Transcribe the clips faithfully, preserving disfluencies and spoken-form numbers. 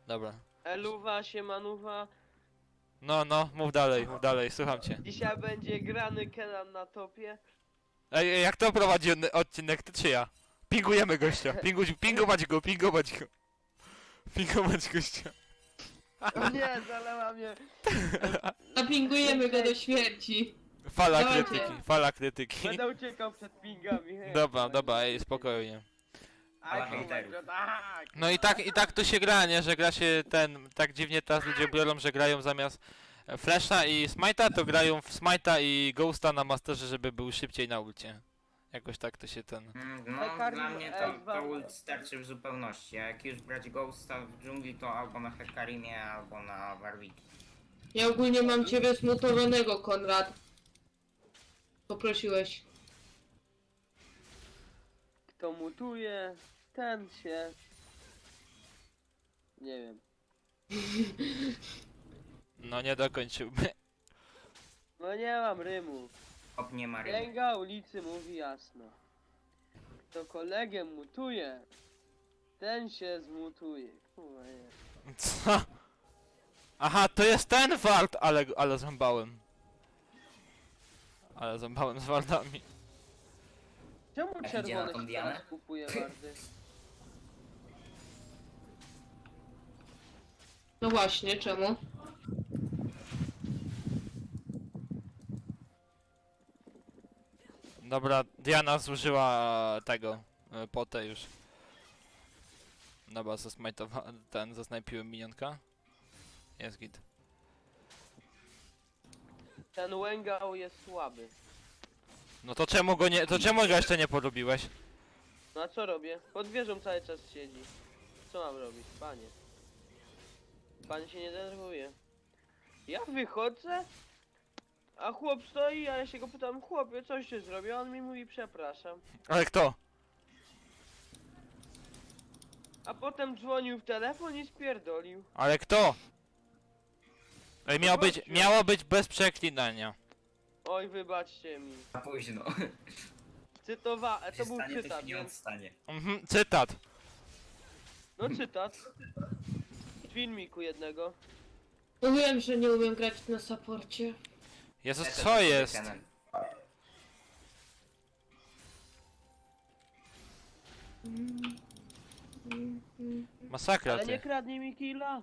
Dobra. Eluwa, siemanuwa. No, no, mów dalej, mów dalej, słucham cię. Dzisiaj będzie grany Kenan na topie. Ej, jak to prowadzi on- odcinek, ty czy ja? Pingujemy gościa, pinguć, pingować go, pingować go. Pingować gościa. O nie, zalewa mnie. Napingujemy go do śmierci. Fala Dawajcie. krytyki, fala krytyki. Będę uciekał przed pingami. hej. Dobra, dobra, ej, spokojnie. Aj, Dawaj, kurwa, hejterów. tak. No i tak, i tak to się gra, nie? Że gra się ten, tak dziwnie teraz ludzie biorą, że grają zamiast e, Flasha i Smite'a, to grają w Smite'a i Ghosta na Masterze, żeby był szybciej na ulcie. Jakoś tak to się ten... Mm, No, Hekarmi- dla mnie to, ej, to wam- ult starczy w zupełności. A jak już brać Ghosta w dżungli, to albo na Hekarimie, albo na Warwicku. Ja ogólnie mam ciebie zmutowanego, Konrad. Poprosiłeś. Kto mutuje, ten się... Nie wiem. No nie dokończyłby. No nie mam rymu. Hop, nie ma ryby. Księga ulicy mówi jasno. Kto kolegę mutuje, ten się zmutuje. Kurwa nie. Co? Aha, to jest ten wart, ale, ale zębałem. Ale zębałem z wardami. Czemu A idzie na czerwony tą się Dianę? teraz kupuje wardy? No właśnie, czemu? Dobra, Diana zużyła tego, e, potę już. Dobra, zasmajtowa... ten, zasnajpiłem minionka. Jest git. Ten Łęgał jest słaby. No to czemu go nie, to czemu go jeszcze nie polubiłeś? No a co robię? Pod wieżą cały czas siedzi. Co mam robić, panie? Pan się nie denerwuje. Ja wychodzę, a chłop stoi, a ja się go pytam, chłopie, coś się zrobił? A on mi mówi, przepraszam. Ale kto? A potem dzwonił w telefon i spierdolił. Ale kto? Ej, miało być, Gościu. miało być bez przeklinania. Oj, wybaczcie mi. Za późno. Cytowa... e, to To był stanie, to cytat, się nie więc... odstanie. Mhm, cytat. No cytat. Z filmiku jednego. Mówiłem, że nie umiem grać na saporcie. Jezus, Lecę co do jest? Kenan. Masakra Ale nie ty. kradnij mi killa.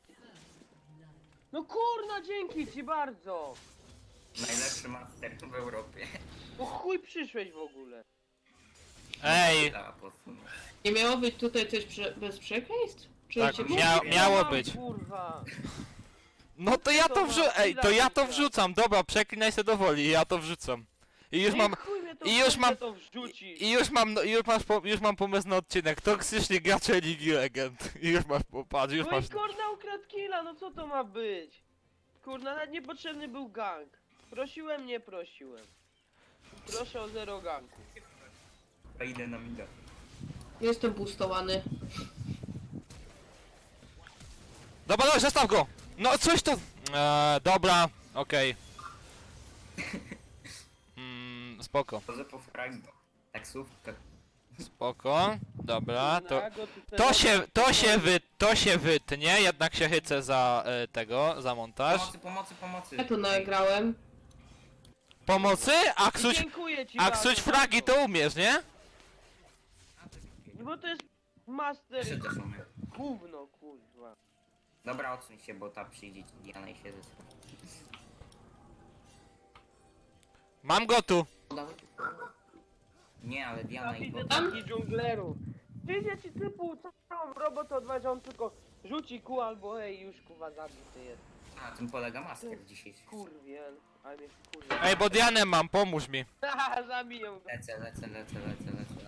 No kurna, dzięki ci bardzo. Najlepszy master w Europie. Po chuj przyszłeś w ogóle. Ej, Dla apostołów. Nie miało być tutaj coś prze bez przekleństw? Czy Tak, cię... mia Mówię, miało Mam, być. Kurwa. No to ja to To wrzucam, ma ej, to ja to chwila. wrzucam, dobra, przeklinaj się do woli, ja to wrzucam. I już No mam, i chuj mnie to i już chuj mam- mnie to wrzuci. i już mam, no, już masz, po, już mam pomysł na odcinek, toksyczni gracze Ligi Legend. I już masz, popatrz, już No masz. i kurna ukradł killa, no co to ma być? Kurna, nawet niepotrzebny był gang. Prosiłem, nie prosiłem. Proszę o zero ganku. To idę na mida. Jestem boostowany. Dobra, dobra, zostaw go! No coś to... Eee, dobra, okej. Mm, spoko, Chodzę po fragno. Taksówkę. spoko, dobra, to... Ja go tutaj To się, to się robię. wy, to się wytnie, jednak się chycę za e, tego, za montaż. Pomocy, pomocy, pomocy. Ja tu nagrałem. Pomocy? A I ksuć, dziękuję ci a bardzo, ksuć fragi bardzo. to umiesz, nie? Bo to jest master Jeszcze też umiem. gówno, kurwa. Dobra, odsuń się, bo ta przyjdzie ci Diana i się zestra. Mam go tu. Nie, ale Ja Diana i widzę bota. taki dżungleru. Wyjdzie ci typu całą robotę odważy, on tylko rzuci ku albo ej, już kurwa zabity jest. A, tym polega master dzisiaj. Kurwiel, ale mnie kurwa. Ej, bo Dianę mam, pomóż mi. Haha, zabiję go. Lecę, lecę, lecę, lecę, lecę.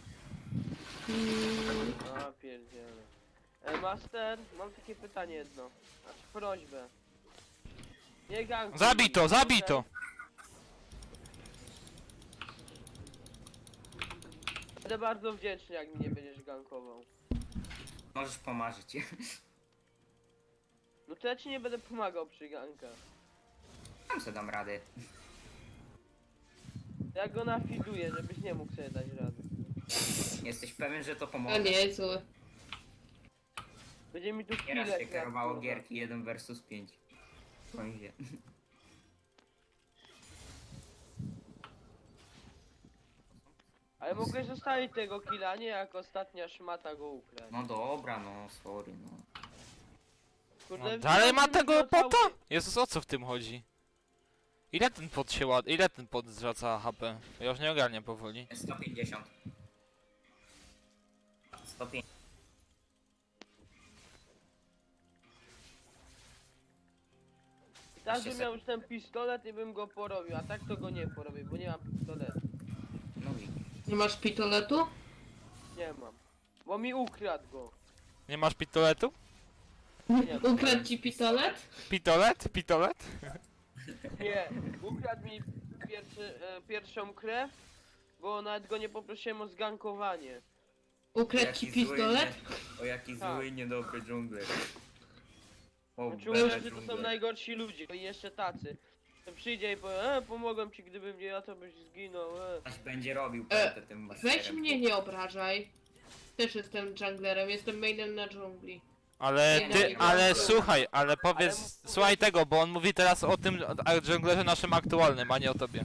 A pierdziele. E, master, mam takie pytanie jedno. Znaczy prośbę. Nie gankuj. Zabij to, zabij to. Będę bardzo wdzięczny, jak mi nie będziesz gankował. Możesz pomarzyć. No to ja ci nie będę pomagał przy gankach. Tam sobie dam radę. Ja go nafiduję, żebyś nie mógł sobie dać rady. Jesteś pewien, że to A pomoże? nie, zły. Będzie mi tu Nieraz chwilę się kradł, kierowało kurwa. gierki jeden versus pięć. Powiem. Ale mogłeś zostawić tego killa, nie jak ostatnia szmata go ukradł. No dobra, no sorry, no. Kurde, No, dalej ma wziąłem tego go cały- pota? Jezus, o co w tym chodzi? Ile ten pot się ład... Ile ten pot zwraca H P? Ja już nie ogarniam powoli. sto pięćdziesiąt. sto pięćdziesiąt. Tak Właśnie bym se- miał już ten pistolet i bym go porobił, a tak to go nie porobię, bo nie mam pistoletu. No i Nie masz pitoletu? Nie mam. Bo mi ukradł go. Nie masz pitoletu? Nie, Ukradł ci pitolet? Pitolet? Pitolet? nie. Ukradł mi pierwszy, e, pierwszą krew, bo nawet go nie poprosiłem o zgankowanie. Ukradł ci pistolet? O jaki Tak. zły, niedobry dżungler. O, Znaczy bele uważam, że to są dżungler. najgorsi ludzie, i jeszcze tacy. To przyjdzie i powie, e, pomogłem ci, gdybym nie ja, to byś zginął, e. Ktoś będzie robił E, pętę tym masterem. Weź mnie, nie obrażaj. Też jestem junglerem, jestem mainem na dżungli. Ale Nie, ty, nie, ale nie. słuchaj, ale powiedz, Ale mu- słuchaj tego, bo on mówi teraz o tym a- dżunglerze naszym aktualnym, a nie o tobie.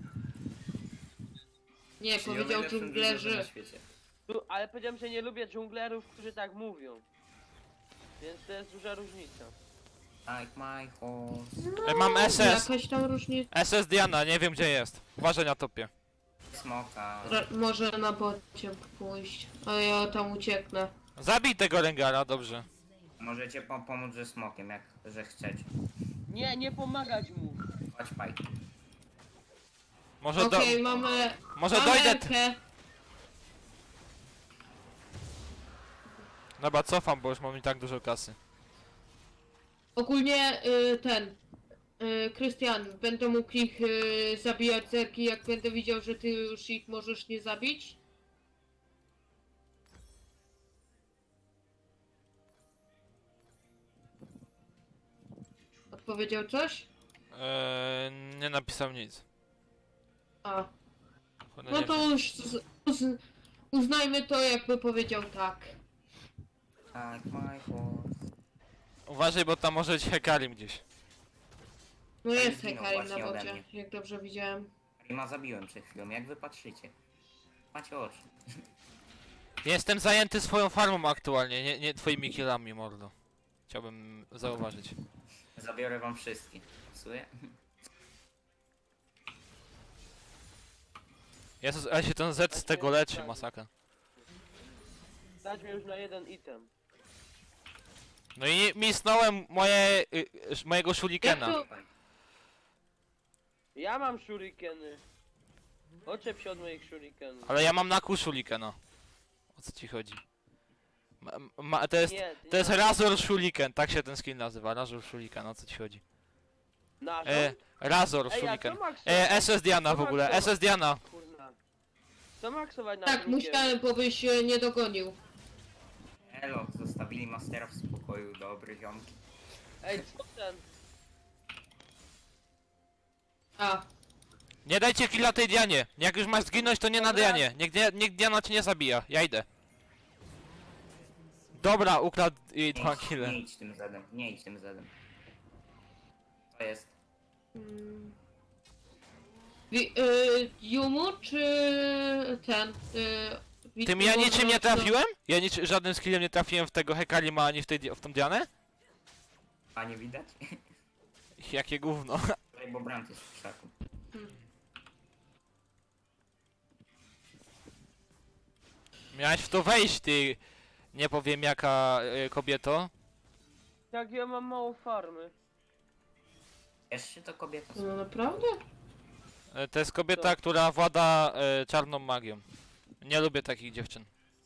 Nie, Czyli o powiedział najlepszym dżunglerzy. dżunglerze na świecie. Tu, ale powiedziałem, że nie lubię dżunglerów, którzy tak mówią. Więc to jest duża różnica. Like my horse. E, Mam S S. Jakaś tam różnica. S S Diana, nie wiem gdzie jest. Uważaj na topie. Smoka. Ra- może na bocie pójść, a ja tam ucieknę. Zabij tego Rengara, dobrze. Możecie po pomóc ze smokiem, jak że chcecie. Nie, nie pomagać mu. Chodź paj. Może do... Okej, mamy... Może mamy dojdę... Elkę. Dobra, cofam, bo już mam i tak dużo kasy. Ogólnie y, ten... y, Krystian, będę mógł ich y, zabijać zerki, jak będę widział, że ty już ich możesz nie zabić? Odpowiedział coś? Eee, nie napisał nic. A, Cholera, no nie to wiem. już z, uz, uznajmy to, jakby powiedział tak. Like my horse. Uważaj, bo tam może być Hekarim gdzieś. No Ale jest zginął Hekarim na właśnie ode bocie, mnie. jak dobrze widziałem. Rima zabiłem przed chwilą, jak wy patrzycie? Macie oczy. Jestem zajęty swoją farmą aktualnie, nie, nie twoimi killami, mordo. Chciałbym zauważyć. Zabiorę wam wszystkie. Pasuje? Jezus, ale się ten Z z tego leczy, masakra. Dać mi już na jeden item. No i misnąłem moje, y, y, mojego Jak shurikena. to, Ja mam shurikeny. Oczep się od moich shurikenów. Ale ja mam na kół shurikena. O co ci chodzi? Ma, ma, to jest, Nie, ty to jest nie. Razor Shuriken, tak się ten skin nazywa, Razor Shuriken, o co ci chodzi? Nasz. E, Razor Ej, a Shuriken. co maksować? E, S S Diana w ogóle, S S Diana. Kurna. Co maksować na tak, drugie? musiałem, bo byś e, nie dogonił. Elo, zostawili mastera w spokoju, dobry ziomki. Ej, co ten? A, Nie dajcie killa tej Dianie. Jak już masz zginąć, to nie na Dobra. Dianie. Niech, Dia- niech Diana cię nie zabija. Ja idę. Dobra, ukradł jej dwa Nie, kille. nie idź tym zedem, nie idź tym zedem. To jest. mm, wi, y, Jumu czy ten? Y, Tym ja Witmu, niczym nie no, trafiłem? Ja nic, żadnym skillem nie trafiłem w tego Hekarima ani w, tej, di- w tą Dianę? A nie widać? Jakie gówno. Tutaj, bo Brand jest w krzaku. Miałeś w to wejść, ty... Nie powiem jaka y, kobieto. Jak ja mam mało farmy. Wiesz, czy to kobieta? No naprawdę? Y, To jest kobieta, Co? która włada y, czarną magią. Nie lubię takich dziewczyn.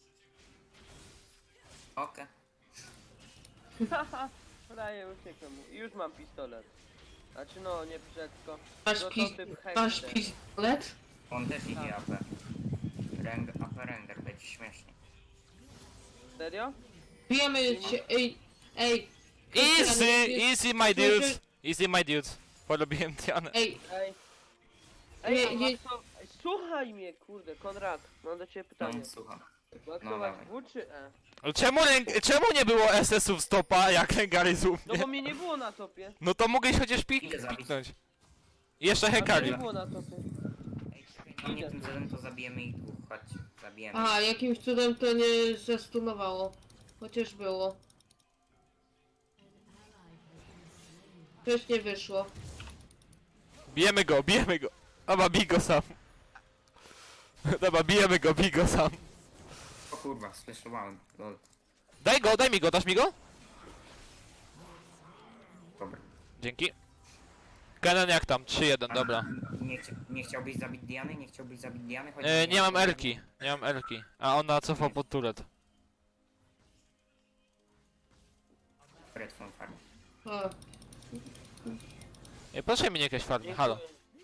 Okej. Haha, prawie uciekłem mu. I już mam pistolet. Znaczy no, nie wszystko. Masz, No to pi typ masz hejter. pistolet? On też idzie Tak. A P. Reng, A P render, będzie śmiesznie. Serio? Bijemy się, ej, ej. Krystian, Easy, jest- easy my Słyszy- dudes. Easy my dudes. Polubiłem Dianę. Ej, Ej. Ej, Nie, a nie- masz to... Ej, słuchaj mnie, kurde, Konrad. Mam do ciebie pytanie. No, słucham. Maksować dawaj. W czy E? Czemu, ręk- czemu nie było S S-ów stopa, jak Rengar z u No mnie? bo mnie nie było na topie. No to mogłeś chociaż pik Idę zabić. piknąć. I jeszcze A mnie Hekari. nie było na topie. Ej, czekaj, no nie tym celem to zabijemy ich dwóch, chodź, zabijemy. Aha, jakimś cudem to nie zastunowało. Chociaż było. Też nie wyszło. Bijemy go, bijemy go. Dobra, bij go sam. Dobra, bijemy go, bij go sam. O kurwa, słyszałem, lol. Daj go, daj mi go, dasz mi go? Dobra. Dzięki. Kenan jak tam? trzy jeden, dobra. Nie, chcia nie chciałbyś zabić Diany? Nie chciałbyś zabić Diany? Chodź, E, nie mam Elki, nie mam Elki. A ona cofa pod turet. Biorę twoją farmę. A, Ej, proszę mi nie jakieś farmy, halo.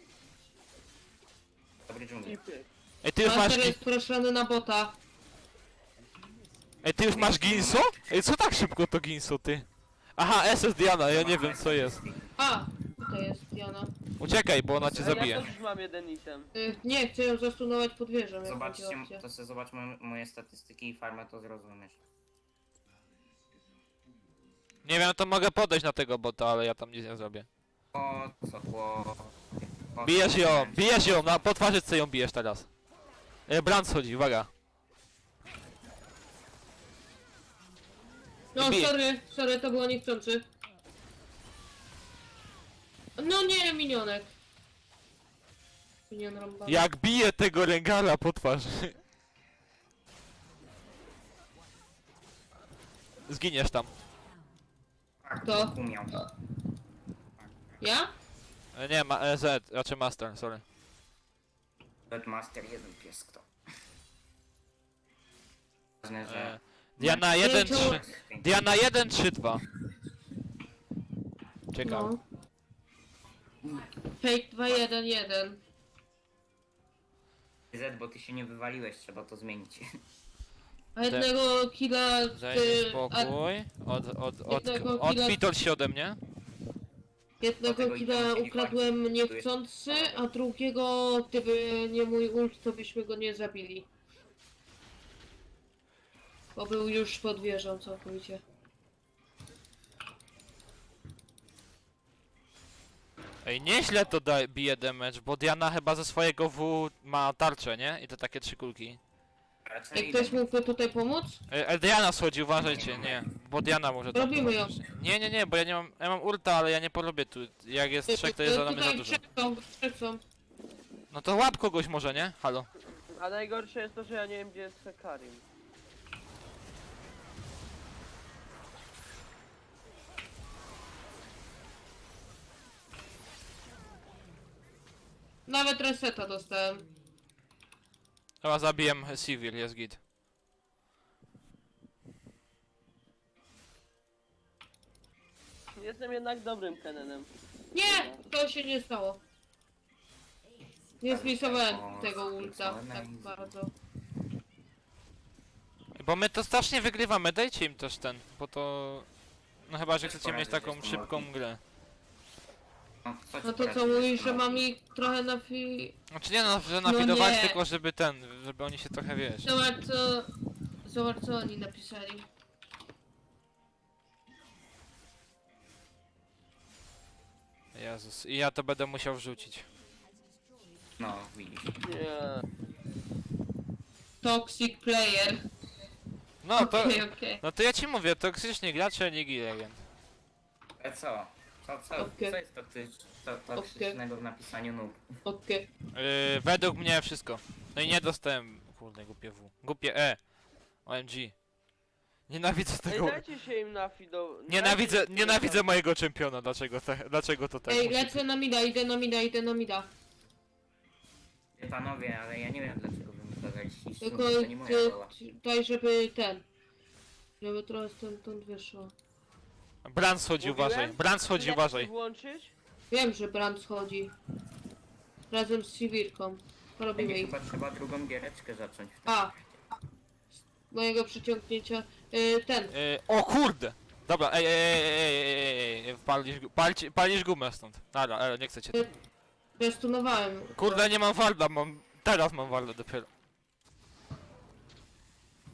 Dobry dżungli. Tipy. Ej, ty już masz... Master gi- jest proszony na bota. Ej, ty już masz Ginso? Ej, co tak szybko to Ginso, ty? Aha, S S Diana, ja nie wiem co jest. A, tutaj jest Diana. Uciekaj, bo ona cię A ja zabije. też już mam jeden item. Y, nie, chcę ją zastunować pod wieżą. jak Zobaczcie, będzie opcja. to sobie zobacz mo moje statystyki i farmę, to zrozumiesz. Nie wiem, to mogę podejść na tego bota, ale ja tam nic nie zrobię. O co, chłop... O, Bijesz co, ją, chłop. bijesz ją, na po twarzy co ją bijesz teraz. E, Brand schodzi, uwaga. No, Bije. sorry, sorry, to było niechcący. No nie, minionek. Minion rąbany. Jak bije tego Rengara po twarzy. Zginiesz tam. Tak, To? umiał. Ja? E, nie, ma, e, Z, raczej Master, sorry. Master jeden pies kto. Ważne, E, że... Diana jeden to- trzy. Diana jeden trzy dwa. Ciekawe. No. Fake dwa jeden jeden. Z, bo ty się nie wywaliłeś, trzeba to zmienić. A jednego killa... Daj y, mi a spokój. Od, od, od, jednego od, killa- odpitol się ode mnie. jednego Dlatego killa idziemy się ukradłem nie niechcący, a drugiego, gdyby nie mój ult, to byśmy go nie zabili. Bo był już pod wieżą całkowicie. Ej, nieźle to da, bije damage, bo Diana chyba ze swojego W ma tarczę, nie? I to takie trzy kulki. Raczej Jak ktoś mógłby tutaj pomóc? E, e, Diana schodzi, uważajcie, nie. Bo Diana może tam Robimy ją. pomóc. Nie, nie, nie, bo ja nie mam, ja mam ulta, ale ja nie porobię tu. Jak jest trzech, to jest za nami za Tutaj dużo. trzech są, trzech są. No to łap kogoś może, nie? Halo. A najgorsze jest to, że ja nie wiem gdzie jest Hekarim. Nawet reseta dostałem. Chyba zabiję Sivir, jest git. Jestem jednak dobrym Kenenem. Nie! To się nie stało. Nie zmisowałem tego ulta tak bardzo. Bo my to strasznie wygrywamy, dajcie im też ten, bo to... No chyba, że chcecie mieć taką szybką grę. No, coś No to poradzić, co mówisz, jest że no. mam ich trochę na fi... Znaczy nie no, że No nafidować, nie. tylko żeby ten, żeby oni się trochę, wiesz... Zobacz co... Zobacz co oni napisali. Jezus, i ja to będę musiał wrzucić. No, widzisz. Nie. Toxic player. No to... Okej, okej. No to ja ci mówię, toksyczni gracze Ligi Legend. Ale co? Co, co? Okej. Co jest toksycz, to, toksycznego w napisaniu noob? Okej. Yy, według mnie wszystko. No i nie dostałem... Kurde, głupie W. Głupie E. O M G. Nienawidzę Ej, tego... dajcie się im nafido... Nienawidzę, dajcie się nienawidzę im mojego czempiona, dlaczego, te, dlaczego to tak Ej, musi lecę na mida, idę na mida, idę na mida. Panowie, ale ja nie wiem dlaczego wy mi kazaliście iść Tylko stąd, to nie moja ty, rola. ty, daj, żeby ten... Żeby trochę stamtąd wyszło. Brand schodzi, Mówiłem? uważaj. Brand schodzi, Chwileczkę uważaj. włączyć? Wiem, że Brand schodzi. Razem z Sivirką. Robimy Będzie ich. chyba trzeba drugą giereczkę zacząć. A! Z mojego przyciągnięcia. Y, ten. Yy, o kurde! Dobra, ej, ej, ej, ej, ej, ej, ej, palisz, gu- palci, palisz gumę stąd. Dobra, ale nie chcę cię. Zestunowałem. Kurde, nie mam warda, mam... Teraz mam warda dopiero.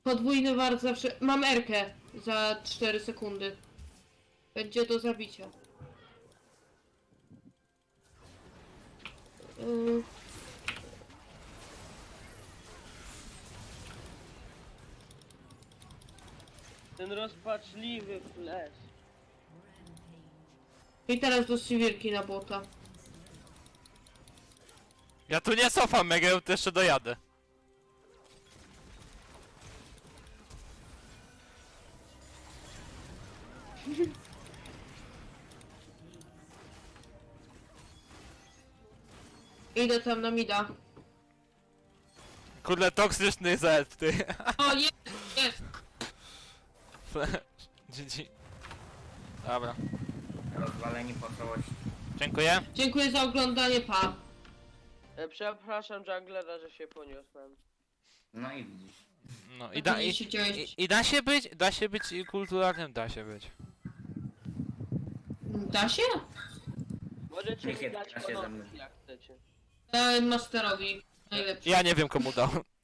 Podwójny wart zawsze... Mam erkę za cztery sekundy. Będzie do zabicia. Yy, Ten rozpaczliwy flash. I teraz do Siwirki na bota. Ja tu nie cofam, jak ja tu jeszcze dojadę. Idę tam na mida. Kurde, toksyczny Z, ty. O, jest, jest. G G. Dobra. Rozwaleni po całości. Dziękuję. Dziękuję za oglądanie, pa. E, przepraszam junglera, że się poniosłem. No i widzisz. No i da, i, się działo. i, i da się być, da się być kulturalnym, da się być. Da się? Możecie mi Jakie dać da się ze mną? ponownie, jak chcecie. Dałem masterowi. Najlepszy. Ja nie wiem komu dał.